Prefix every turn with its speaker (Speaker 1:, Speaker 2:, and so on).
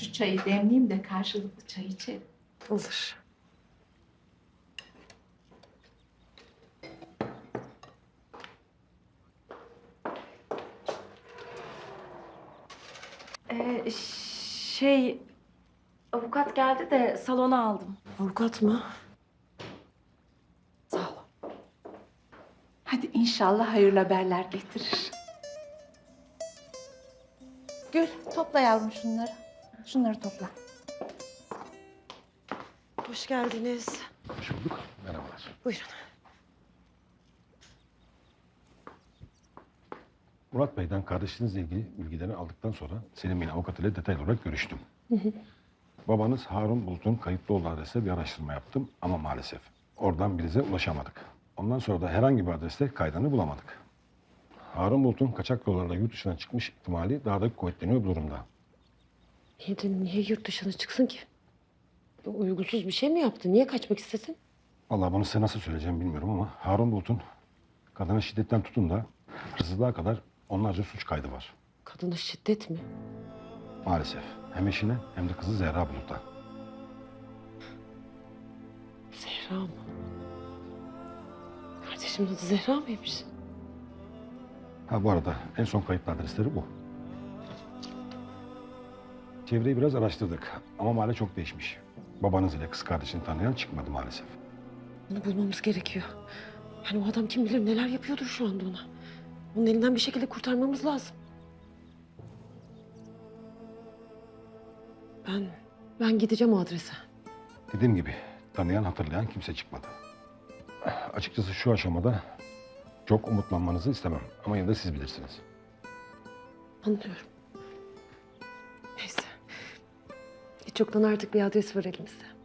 Speaker 1: şu çayı demleyeyim de karşılıklı çay içelim.
Speaker 2: Olur. Ee, şey... Avukat geldi de salona aldım.
Speaker 3: Avukat mı?
Speaker 2: Sağ ol.
Speaker 1: Hadi inşallah hayırlı haberler getirir. Gül, topla yavrum şunları. Şunları topla.
Speaker 3: Hoş geldiniz.
Speaker 4: Hoş bulduk. Merhabalar.
Speaker 3: Buyurun.
Speaker 4: Murat Bey'den kardeşinizle ilgili bilgileri aldıktan sonra Selim Bey'in avukatıyla detaylı olarak görüştüm. Babanız Harun Bulut'un kayıtlı olduğu adreste bir araştırma yaptım ama maalesef oradan bize ulaşamadık. Ondan sonra da herhangi bir adreste kaydını bulamadık. Harun Bulut'un kaçak yollarla yurt dışına çıkmış ihtimali daha da kuvvetleniyor bu durumda.
Speaker 3: Niye yurt dışına çıksın ki? Uygunsuz bir şey mi yaptı? Niye kaçmak istesin?
Speaker 4: Vallahi bunu size nasıl söyleyeceğim bilmiyorum ama Harun Bulut'un kadına şiddetten tutun da hırsızlığa kadar onlarca suç kaydı var.
Speaker 3: Kadına şiddet mi?
Speaker 4: Maalesef. Hem eşine hem de kızı Zehra Bulut'a.
Speaker 3: Zehra mı? Kardeşimin adı Zehra mıymış?
Speaker 4: Ha bu arada en son kayıtlı adresleri bu. Çevreyi biraz araştırdık ama mahalle çok değişmiş. Babanız ile kız kardeşini tanıyan çıkmadı maalesef.
Speaker 3: Onu bulmamız gerekiyor. Yani o adam kim bilir neler yapıyordur şu anda ona. Onun elinden bir şekilde kurtarmamız lazım. Ben gideceğim o adrese.
Speaker 4: Dediğim gibi tanıyan hatırlayan kimse çıkmadı. Açıkçası şu aşamada çok umutlanmanızı istemem ama yine de siz bilirsiniz.
Speaker 3: Anlıyorum. Neyse. Hiç yoktan artık bir adres var elimizde.